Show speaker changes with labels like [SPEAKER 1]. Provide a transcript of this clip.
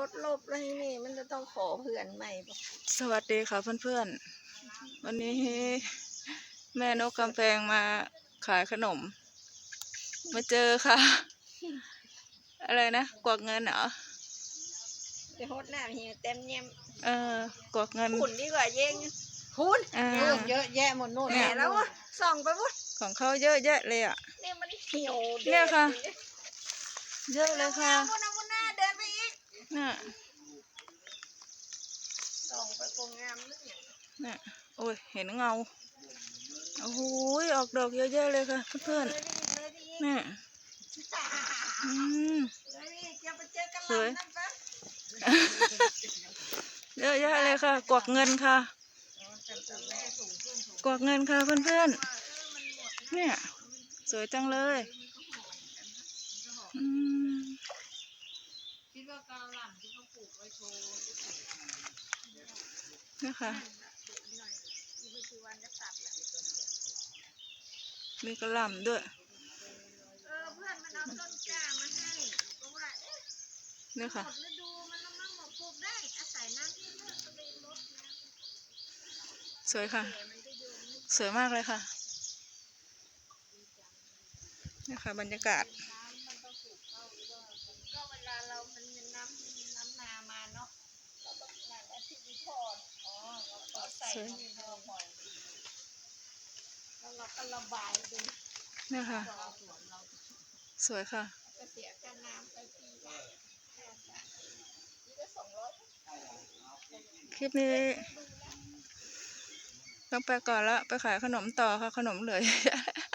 [SPEAKER 1] ดลบอะไรนี่มันจะต้องขอเพื่อนใหม่ปะ
[SPEAKER 2] สวัสดีค่ะเพื่อนๆวันนี้แม่นกกำแพงมาขายขนมมาเจอค่ะ อะไรนะกวักเงินเหรอ
[SPEAKER 1] ไปโฮดหน้าพี่เต็มเยี่ยม
[SPEAKER 2] กวักเงิน
[SPEAKER 1] หุ่นดีกว่าเย้งหุ่น
[SPEAKER 3] เยอะแยะหมดโน่น
[SPEAKER 1] แหมแล้วส่องไปวุ้น
[SPEAKER 2] ของเขาเยอะแยะเลยอ่ะ
[SPEAKER 1] นี่มันเหี่ยว
[SPEAKER 2] เนี่ยค่ะเยอะเลยค่ะ
[SPEAKER 1] วุ้นวุ้นหน้าเดินไปอีก
[SPEAKER 2] น่ะ
[SPEAKER 1] ส่องไปโปรงงามนึกอย่าง
[SPEAKER 2] น่ะโอ้ยเห็นเงาโอ้โหออกดอกเยอะแยะเลยค่ะเพื่อนๆน่ะสวยเยอะแยะเลยค่ะกวักเงินค่ะกวักเงินค่ะเพื่อนๆเนี่ยสวยจังเลยนี่ค่ะมีกระหล่ำด้วย
[SPEAKER 1] เพื่อนมันเอาต้นกล้ามาให้เพราะว่า
[SPEAKER 2] นี่ค่ะ
[SPEAKER 1] ฤดูมันละมั่งหมดปลูกได้อาศัยน้ำเยอะๆก็เลยลด
[SPEAKER 2] สวยค่ะสวยมากเลยค่ะนี่ค่ะบรรยากาศ
[SPEAKER 1] ก็เวลาเรามันน้ำนามาเนาะเราต้องการอาทิตย์นี้พอเราก็ใส่ที่พอแล้วเราก็ระบายดู
[SPEAKER 2] นี่ค่ะสวยค่ะ
[SPEAKER 1] ก็เสียค่าน้ำไปปีละนี่ก็200
[SPEAKER 2] คลิปนี้ต้องไปก่อนละไปขายขนมต่อค่ะขนมเหลือ